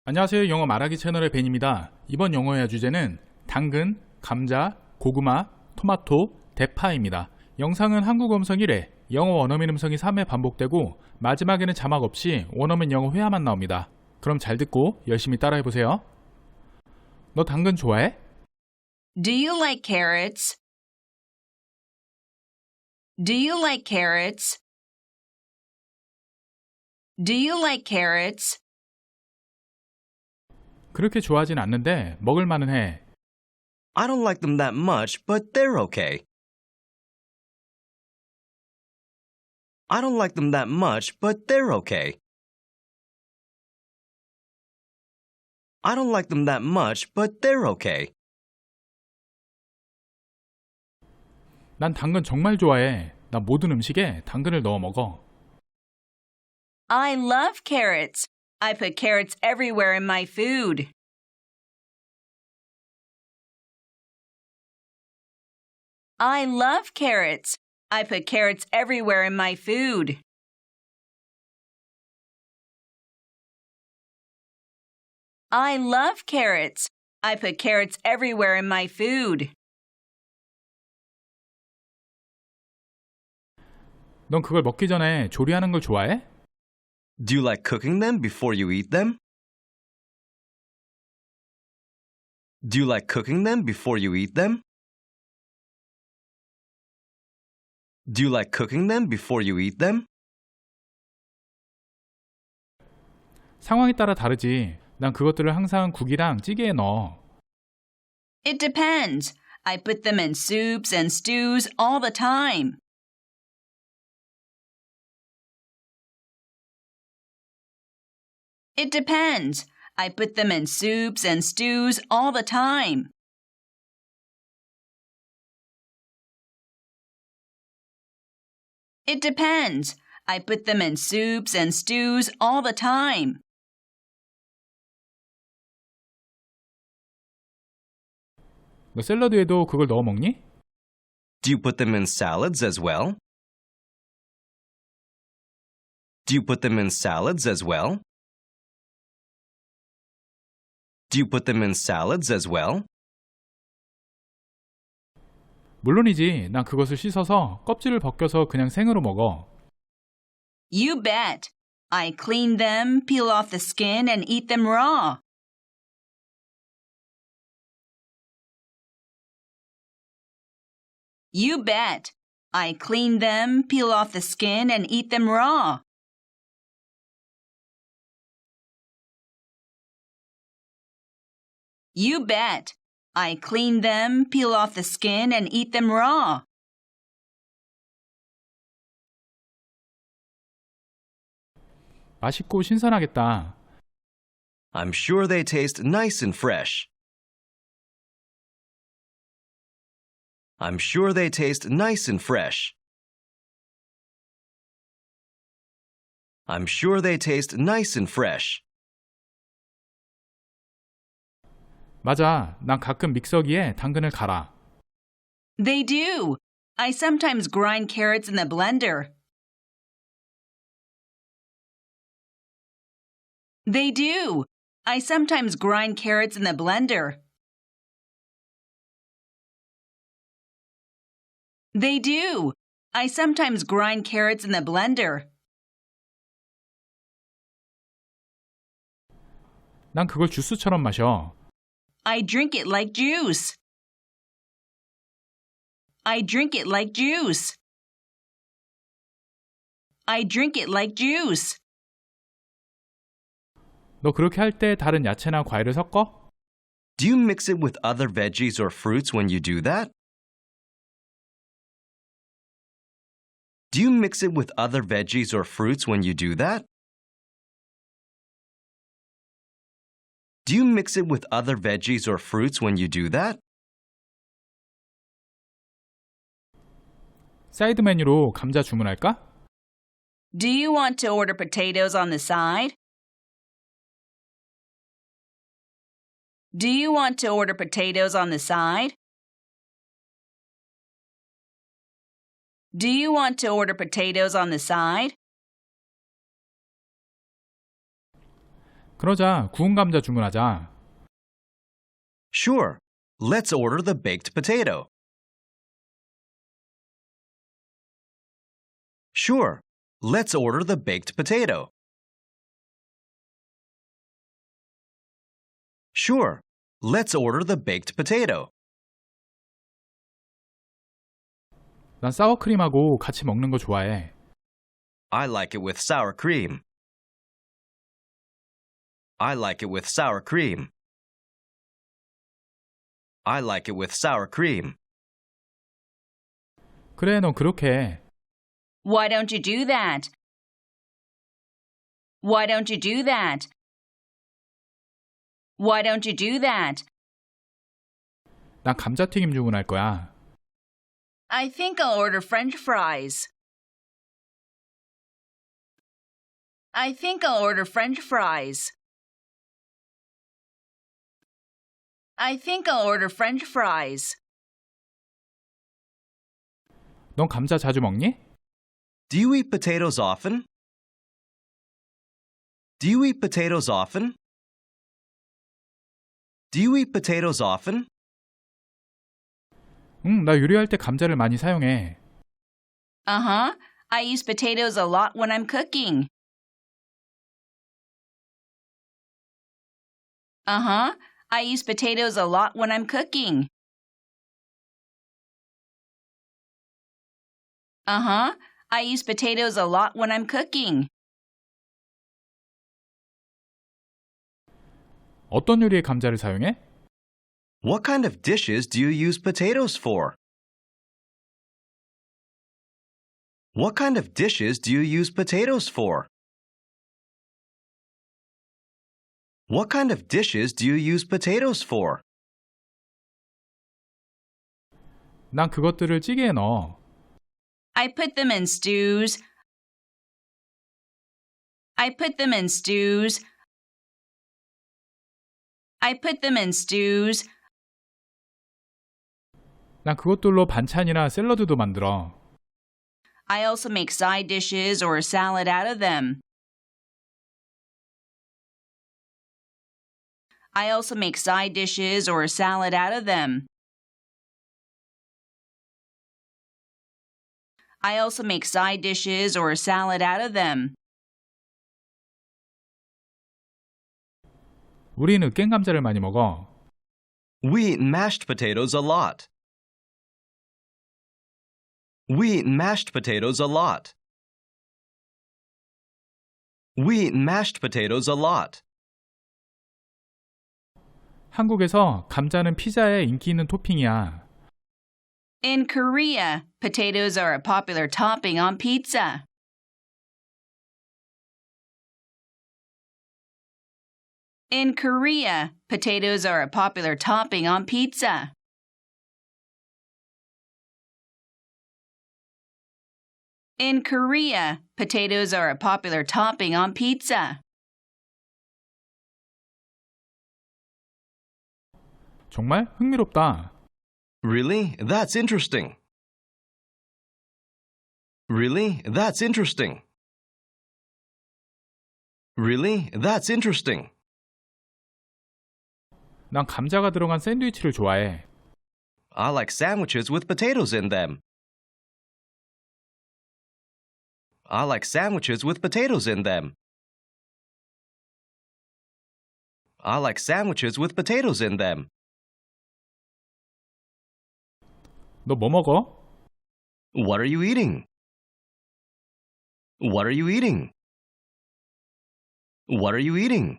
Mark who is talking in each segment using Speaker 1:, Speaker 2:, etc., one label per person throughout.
Speaker 1: 안녕하세요. 영어 말하기 채널의 벤입니다. 이번 영어의 주제는 당근, 감자, 고구마, 토마토, 대파입니다. 영상은 한국어 음성 1회, 영어 원어민 음성이 3회 반복되고 마지막에는 자막 없이 원어민 영어 회화만 나옵니다. 그럼 잘 듣고 열심히 따라해보세요. 너 당근 좋아해?
Speaker 2: Do you like carrots? Do you like carrots? Do you like carrots?
Speaker 1: 그렇게 좋아하진 않는데 먹을 만은 해.
Speaker 3: I don't like them that much, but they're okay. I don't like them that much, but they're okay. I don't like them that much, but they're okay.
Speaker 1: 난 당근 정말 좋아해. 나 모든 음식에 당근을 넣어 먹어.
Speaker 2: I love carrots. I put carrots everywhere in my food. I love carrots. I put carrots everywhere in my food. I love carrots. I put carrots everywhere in my food.
Speaker 1: 넌 그걸 먹기 전에 조리하는 걸 좋아해?
Speaker 3: Do you like cooking them before you eat them? Do you like cooking them before you eat them? Do you like cooking them before you eat them?
Speaker 1: 상황에 따라 다르지. 난 그것들을 항상 국이랑 찌개에 넣어.
Speaker 2: It depends. I put them in soups and stews all the time. It depends. I put them in soups and stews all the time. It depends. I put them in soups and stews all the time.
Speaker 1: 너 샐러드에도 그걸 넣어 먹니?
Speaker 3: Do you put them in salads as well? Do you put them in salads as well? Do you put them in salads as well?
Speaker 1: 물론이지. 난 그것을 씻어서 껍질을 벗겨서 그냥 생으로 먹어.
Speaker 2: You bet. I clean them, peel off the skin, and eat them raw. You bet. I clean them, peel off the skin, and eat them raw. You bet. I clean them, peel off the skin, and eat them raw.
Speaker 1: 맛있고 신선하겠다.
Speaker 3: I'm sure they taste nice and fresh. I'm sure they taste nice and fresh. I'm sure they taste nice and fresh.
Speaker 1: 맞아. 난 가끔 믹서기에 당근을 갈아.
Speaker 2: They do. I sometimes grind carrots in the blender. They do. I sometimes grind carrots in the blender. They do. I sometimes grind carrots in the blender.
Speaker 1: 난 그걸 주스처럼 마셔.
Speaker 2: I drink it like juice. I drink it like juice. I drink it like juice.
Speaker 1: 너 그렇게 할 때 다른 야채나 과일을 섞어?
Speaker 3: Do you mix it with other veggies or fruits when you do that? Do you mix it with other veggies or fruits when you do that? Do you mix it with other veggies or fruits when you do that?
Speaker 1: 사이드 메뉴로 감자 주문할까?
Speaker 2: Do you want to order potatoes on the side? Do you want to order potatoes on the side? Do you want to order potatoes on the side?
Speaker 1: 그러자 구운 감자 주문하자.
Speaker 3: Sure. Let's order the baked potato. Sure. Let's order the baked potato. Sure. Let's order the baked potato.
Speaker 1: 난 사워크림하고 같이 먹는 거 좋아해.
Speaker 3: I like it with sour cream. I like it with sour cream. I like it with sour cream.
Speaker 1: 그래, 넌 그렇게 해.
Speaker 2: Why don't you do that? Why don't you do that? Why don't you do that?
Speaker 1: 난 감자튀김 주문할 거야.
Speaker 2: I think I'll order French fries. I think I'll order French fries. I think I'll order French fries.
Speaker 1: 넌 감자 자주 먹니?
Speaker 3: Do you eat potatoes often? Do you eat potatoes often? Do you eat potatoes often?
Speaker 1: 응, 나 요리할 때 감자를 많이 사용해.
Speaker 2: Uh-huh. I use potatoes a lot when I'm cooking. Uh-huh. I use potatoes a lot when I'm cooking. Uh-huh. I use potatoes a lot when I'm cooking.
Speaker 1: 어떤 요리에 감자를 사용해?
Speaker 3: What kind of dishes do you use potatoes for? What kind of dishes do you use potatoes for? What kind of dishes do you use potatoes for?
Speaker 1: 난 그것들을 찌개에 넣어.
Speaker 2: I put them in stews. I put them in stews. I put them in stews.
Speaker 1: 난 그것들로 반찬이나 샐러드도 만들어.
Speaker 2: I also make side dishes or a salad out of them. I also make side dishes or a salad out of them. I also make side dishes or a salad out of them.
Speaker 1: 우리는 으깬 감자를 많이 먹어.
Speaker 3: We eat mashed potatoes a lot. We eat mashed potatoes a lot. We eat mashed potatoes a lot.
Speaker 1: 한국에서 감자는 피자에 인기 있는 토핑이야.
Speaker 2: In Korea, potatoes are a popular topping on pizza. In Korea, potatoes are a popular topping on pizza. In Korea, potatoes are a popular topping on pizza.
Speaker 1: 정말 흥미롭다.
Speaker 3: Really? That's interesting. Really? That's interesting. Really? That's interesting.
Speaker 1: 난 감자가 들어간 샌드위치를 좋아해.
Speaker 3: I like sandwiches with potatoes in them. I like sandwiches with potatoes in them. I like sandwiches with potatoes in them.
Speaker 1: 너 뭐 먹어?
Speaker 3: What are you eating? What are you eating? What are you eating?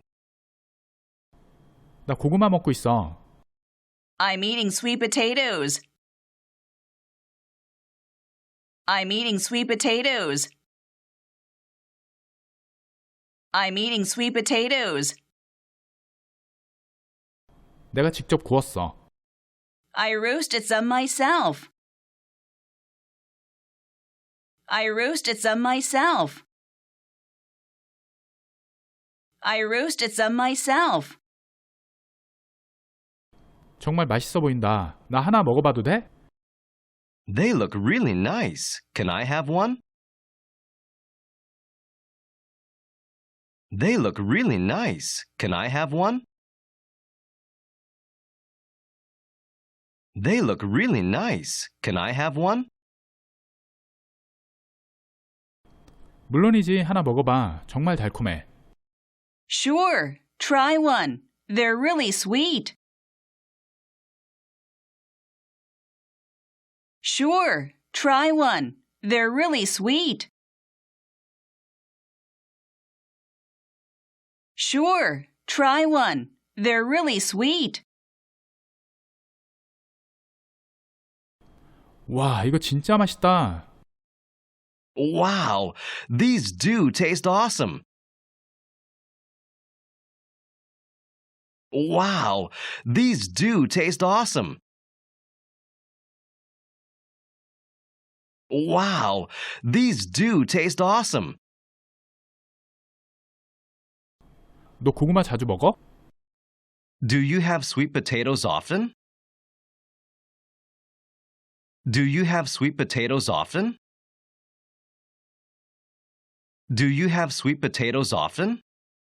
Speaker 1: 나 고구마 먹고 있어.
Speaker 2: I'm eating sweet potatoes. I'm eating sweet potatoes. I'm eating sweet potatoes.
Speaker 1: 내가 직접 구웠어.
Speaker 2: I roasted some myself. I roasted some myself. I roasted some myself.
Speaker 1: 정말 맛있어 보인다. 나 하나 먹어봐도 돼?
Speaker 3: They look really nice. Can I have one? They look really nice. Can I have one? They look really nice. Can I have one?
Speaker 1: 물론이지, 하나 먹어봐. 정말 달콤해.
Speaker 2: Sure, try one. They're really sweet. Sure, try one. They're really sweet. Sure, try one. They're really sweet.
Speaker 1: 와, 이거 진짜 맛있다.
Speaker 3: Wow, these do taste awesome. Wow, these do taste awesome. Wow, these do taste awesome.
Speaker 1: 너 고구마 자주 먹어?
Speaker 3: Do you have sweet potatoes often? Do you have sweet potatoes often? Do you have sweet potatoes often?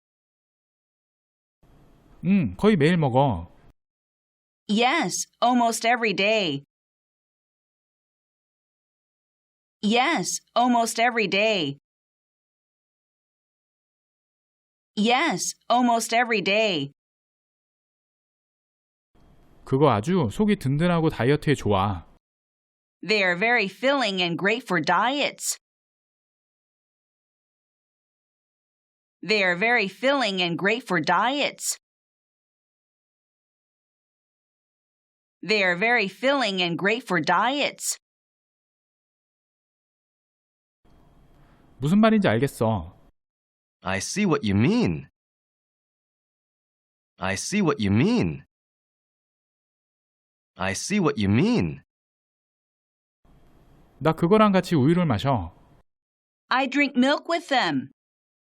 Speaker 1: 거의 매일 먹어.
Speaker 2: Yes, almost every day. Yes, almost every day. Yes, almost every day.
Speaker 1: 그거 아주 속이 든든하고 다이어트에 좋아.
Speaker 2: They are very filling and great for diets. They are very filling and great for diets. They are very filling and great for diets.
Speaker 1: 무슨 말인지 알겠어.
Speaker 3: I see what you mean. I see what you mean. I see what you mean.
Speaker 1: 나 그거랑 같이 우유를 마셔.
Speaker 2: I drink milk with them.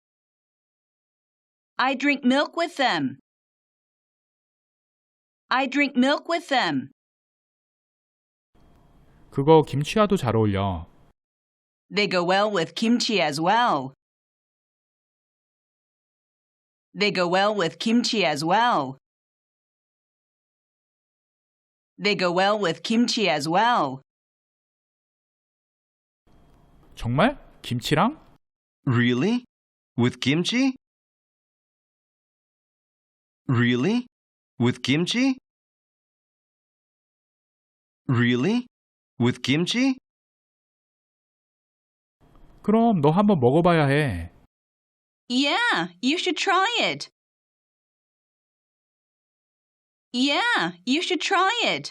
Speaker 2: I drink milk with them. I drink milk with them.
Speaker 1: 그거 김치와도 잘 어울려.
Speaker 2: They go well with kimchi as well. They go well with kimchi as well. They go well with kimchi as well.
Speaker 1: 정말? 김치랑?
Speaker 3: Really? With kimchi? Really? With kimchi? Really? With kimchi?
Speaker 1: 그럼 너 한번 먹어봐야 해.
Speaker 2: Yeah, you should try it. Yeah, you should try it.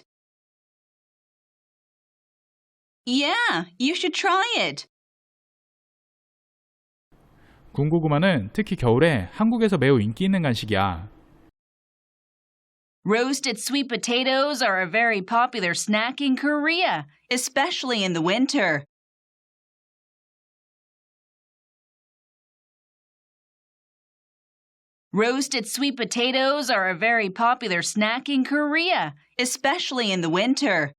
Speaker 2: Yeah, you should try it.
Speaker 1: 군고구마는 특히 겨울에 한국에서 매우 인기 있는 간식이야.
Speaker 2: Roasted sweet potatoes are a very popular snack in Korea, especially in the winter. Roasted sweet potatoes are a very popular snack in Korea, especially in the winter.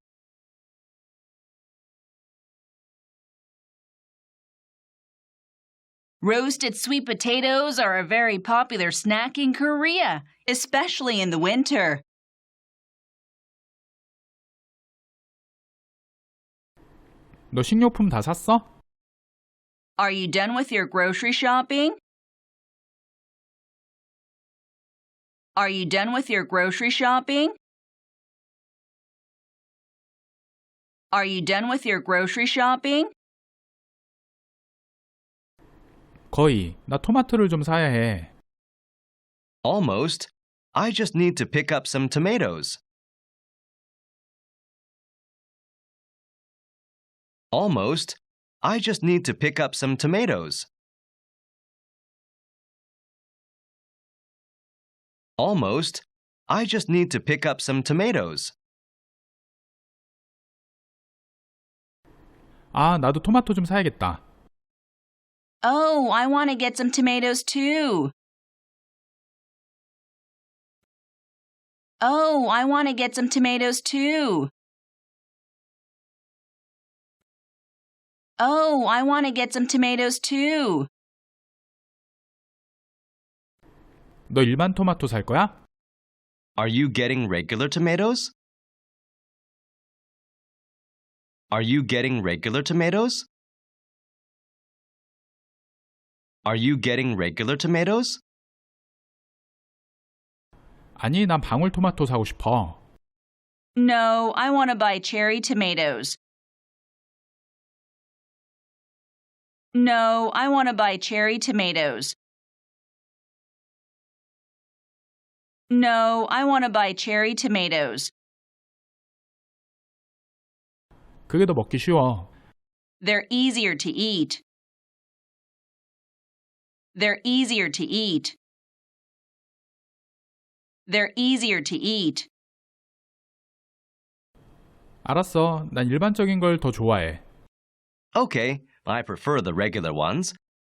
Speaker 2: Roasted sweet potatoes are a very popular snack in Korea, especially in the winter.
Speaker 1: 너 식료품 다 샀어?
Speaker 2: Are you done with your grocery shopping? Are you done with your grocery shopping? Are you done with your grocery shopping?
Speaker 1: 거의. 나 토마토를 좀 사야 해.
Speaker 3: Almost. I just need to pick up some tomatoes. Almost. I just need to pick up some tomatoes. Almost. I just need to pick up some tomatoes.
Speaker 1: 아, 나도 토마토 좀 사야겠다.
Speaker 2: Oh, I want to get some tomatoes too. Oh, I want to get some tomatoes too. Oh, I want to get some tomatoes too.
Speaker 1: 너 일반 토마토 살 거야?
Speaker 3: Are you getting regular tomatoes? Are you getting regular tomatoes? Are you getting regular tomatoes?
Speaker 1: 아니, 난 방울토마토 사고 싶어.
Speaker 2: No, I want to buy cherry tomatoes. No, I want to buy cherry tomatoes. No, I want to buy cherry tomatoes.
Speaker 1: 그게 더 먹기 쉬워.
Speaker 2: They're easier to eat. They're easier to eat. They're easier to eat.
Speaker 1: 알았어. 난 일반적인 걸 더 좋아해.
Speaker 3: Okay, I prefer the regular ones.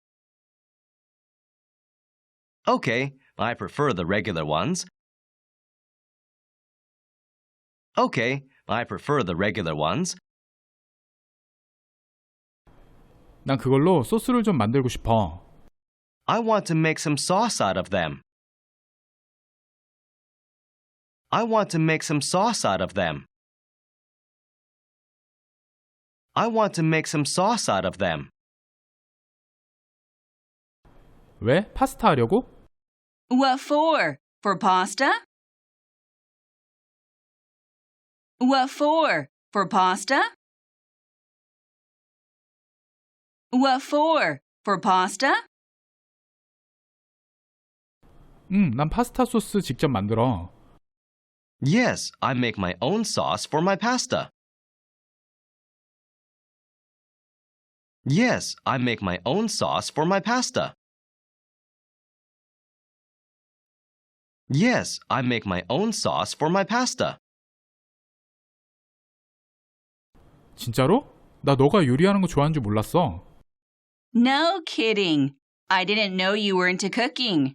Speaker 3: Okay, I prefer the regular ones. Okay, I prefer the regular ones.
Speaker 1: 난 그걸로 소스를 좀 만들고 싶어.
Speaker 3: I want to make some sauce out of them. I want to make some sauce out of them. I want to make some sauce out of them.
Speaker 1: 왜? 파스타 하려고?
Speaker 2: What for? For pasta? What for? For pasta? What for? For pasta?
Speaker 1: 난 파스타 소스 직접 만들어.
Speaker 3: Yes, I make my own sauce for my pasta. Yes, I make my own sauce for my pasta. Yes, I make my own sauce for my pasta.
Speaker 1: 진짜로? 나 너가 요리하는 거 좋아하는 줄 몰랐어.
Speaker 2: No kidding. I didn't know you were into cooking.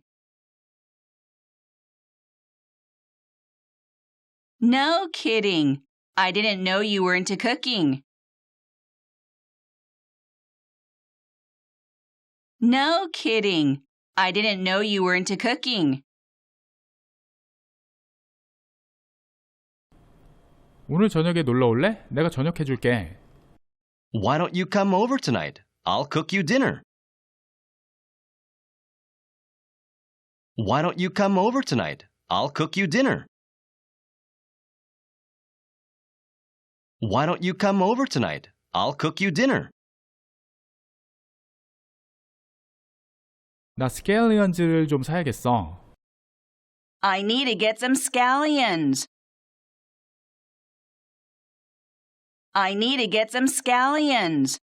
Speaker 2: No kidding. I didn't know you were into cooking. No kidding. I didn't know you were into cooking.
Speaker 1: 오늘 저녁에 놀러 올래? 내가 저녁 해줄게.
Speaker 3: Why don't you come over tonight? I'll cook you dinner. Why don't you come over tonight? I'll cook you dinner. Why don't you come over tonight? I'll cook you dinner.
Speaker 1: 나 스케일리언즈를 좀 사야겠어.
Speaker 2: I need to get some scallions. I need to get some scallions.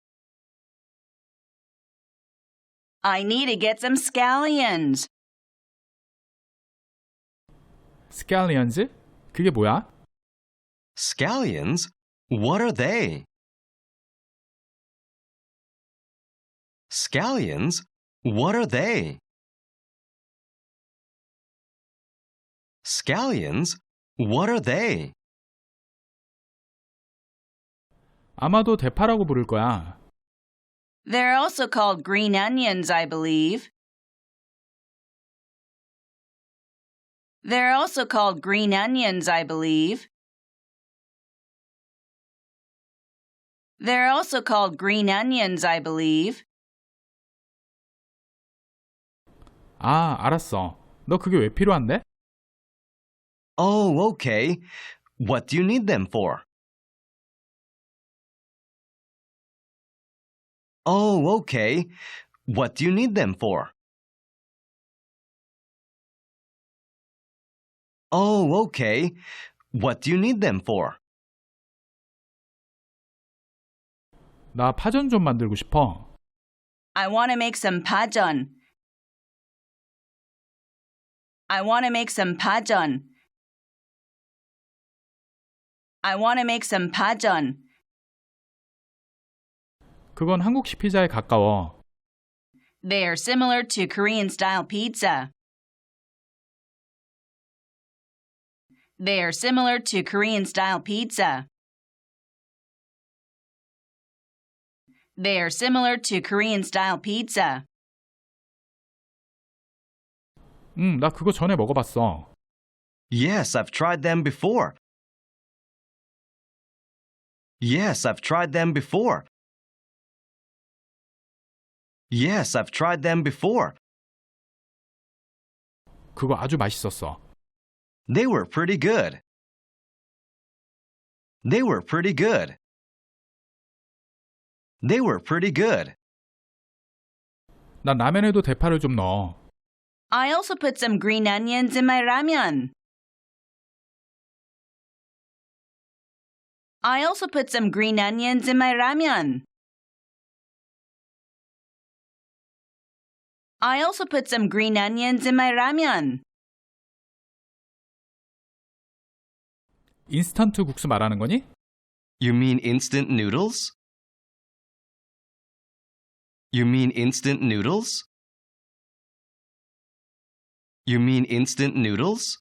Speaker 2: I need to get some scallions.
Speaker 1: 스케일리언즈? 그게 뭐야?
Speaker 3: Scallions? What are they? Scallions? What are they? Scallions? What are they?
Speaker 1: 아마도 대파라고 부를 거야.
Speaker 2: They're also called green onions, I believe. They're also called green onions, I believe. They're also called green onions, I believe.
Speaker 1: 아, 알았어. 너 그게 왜 필요한데?
Speaker 3: Oh, okay. What do you need them for? Oh, okay. What do you need them for? Oh, okay. What do you need them for?
Speaker 1: 나 파전 좀 만들고 싶어.
Speaker 2: I want to make some pajon. I want to make some pajon. I want to make some pajon.
Speaker 1: 그건 한국식 피자에 가까워.
Speaker 2: They are similar to Korean-style pizza. They are similar to Korean-style pizza. They are similar to Korean-style pizza.
Speaker 1: 나 그거 전에 먹어봤어.
Speaker 3: Yes, I've tried them before. Yes, I've tried them before. Yes, I've tried them before.
Speaker 1: 그거 아주 맛있었어.
Speaker 3: They were pretty good. They were pretty good. They were pretty good.
Speaker 1: 난 라면에도 대파를 좀 넣어.
Speaker 2: I also put some green onions in my ramyeon. I also put some green onions in my ramyeon. I also put some green onions in my ramyeon.
Speaker 1: 인스턴트 국수 말하는 거니?
Speaker 3: You mean instant noodles? You mean instant noodles? You mean instant noodles?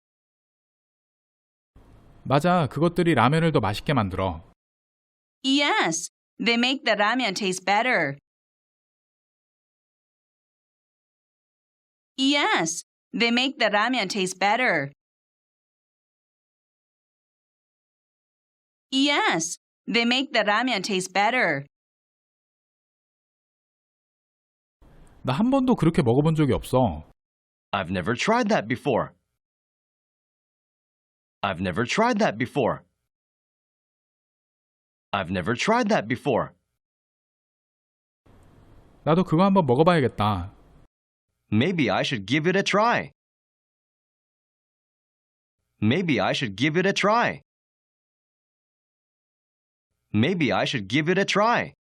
Speaker 1: 맞아, 그것들이 라면을 더 맛있게 만들어.
Speaker 2: Yes, they make the ramyeon taste better. Yes, they make the ramyeon taste better. Yes, they make the ramyeon taste better.
Speaker 1: 나 한 번도 그렇게 먹어본 적이 없어.
Speaker 3: I've never tried that before. I've never tried that before. I've never tried that before.
Speaker 1: 나도 그거 한번 먹어봐야겠다.
Speaker 3: Maybe I should give it a try. Maybe I should give it a try. Maybe I should give it a try.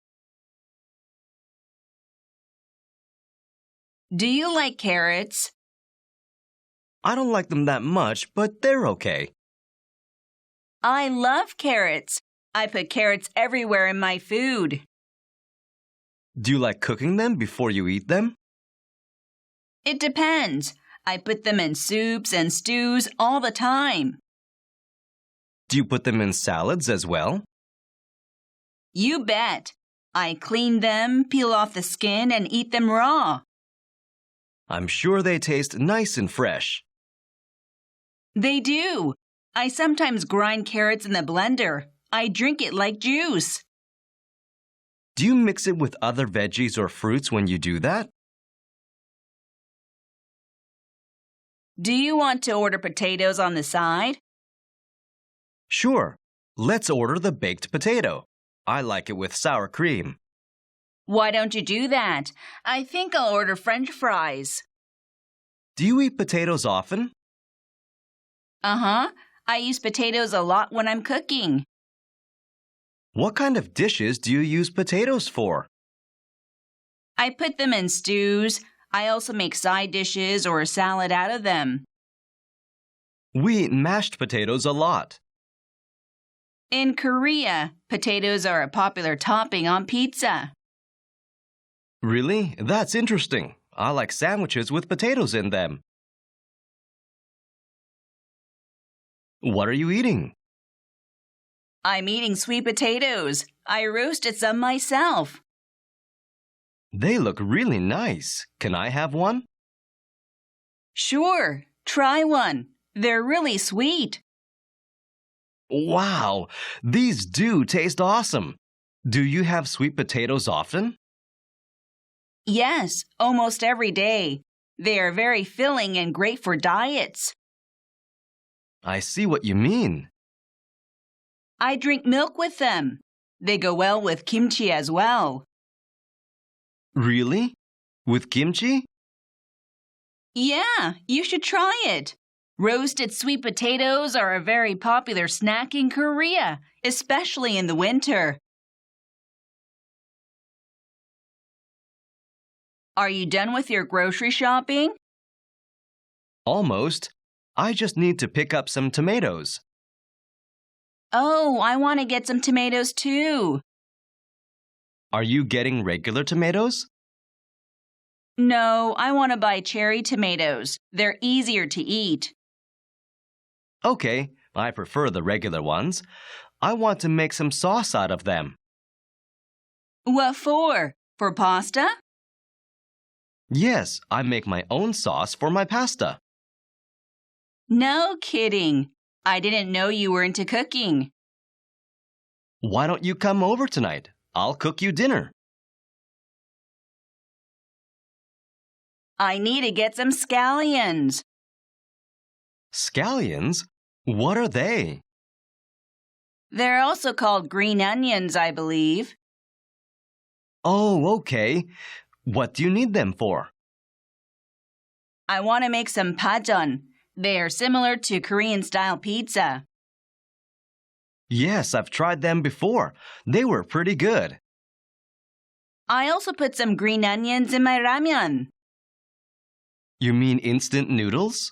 Speaker 2: Do you like carrots?
Speaker 3: I don't like them that much, but they're okay.
Speaker 2: I love carrots. I put carrots everywhere in my food.
Speaker 3: Do you like cooking them before you eat them?
Speaker 2: It depends. I put them in soups and stews all the time.
Speaker 3: Do you put them in salads as well?
Speaker 2: You bet. I clean them, peel off the skin, and eat them raw.
Speaker 3: I'm sure they taste nice and fresh.
Speaker 2: They do. I sometimes grind carrots in the blender. I drink it like juice.
Speaker 3: Do you mix it with other veggies or fruits when you do that?
Speaker 2: Do you want to order potatoes on the side?
Speaker 3: Sure. Let's order the baked potato. I like it with sour cream.
Speaker 2: Why don't you do that? I think I'll order French fries.
Speaker 3: Do you eat potatoes often?
Speaker 2: Uh-huh. I use potatoes a lot when I'm cooking.
Speaker 3: What kind of dishes do you use potatoes for?
Speaker 2: I put them in stews. I also make side dishes or a salad out of them.
Speaker 3: We eat mashed potatoes a lot.
Speaker 2: In Korea, potatoes are a popular topping on pizza.
Speaker 3: Really? That's interesting. I like sandwiches with potatoes in them. What are you eating?
Speaker 2: I'm eating sweet potatoes. I roasted some myself.
Speaker 3: They look really nice. Can I have one?
Speaker 2: Sure, try one. They're really sweet.
Speaker 3: Wow, these do taste awesome. Do you have sweet potatoes often?
Speaker 2: Yes, almost every day. They are very filling and great for diets.
Speaker 3: I see what you mean.
Speaker 2: I drink milk with them. They go well with kimchi as well.
Speaker 3: Really? With kimchi?
Speaker 2: Yeah, you should try it. Roasted sweet potatoes are a very popular snack in Korea, especially in the winter. Are you done with your grocery shopping?
Speaker 3: Almost. I just need to pick up some tomatoes.
Speaker 2: Oh, I want to get some tomatoes too.
Speaker 3: Are you getting regular tomatoes?
Speaker 2: No, I want to buy cherry tomatoes. They're easier to eat.
Speaker 3: Okay, I prefer the regular ones. I want to make some sauce out of them.
Speaker 2: What for? For pasta?
Speaker 3: Yes, I make my own sauce for my pasta.
Speaker 2: No kidding. I didn't know you were into cooking.
Speaker 3: Why don't you come over tonight? I'll cook you dinner.
Speaker 2: I need to get some scallions.
Speaker 3: Scallions? What are they?
Speaker 2: They're also called green onions, I believe.
Speaker 3: Oh, okay. What do you need them for?
Speaker 2: I want to make some pajeon. They are similar to Korean-style pizza.
Speaker 3: Yes, I've tried them before. They were pretty good.
Speaker 2: I also put some green onions in my ramyeon.
Speaker 3: You mean instant noodles?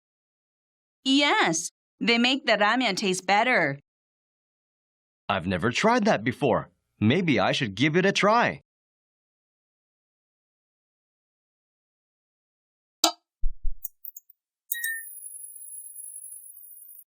Speaker 2: Yes, they make the ramyeon taste better.
Speaker 3: I've never tried that before. Maybe I should give it a try.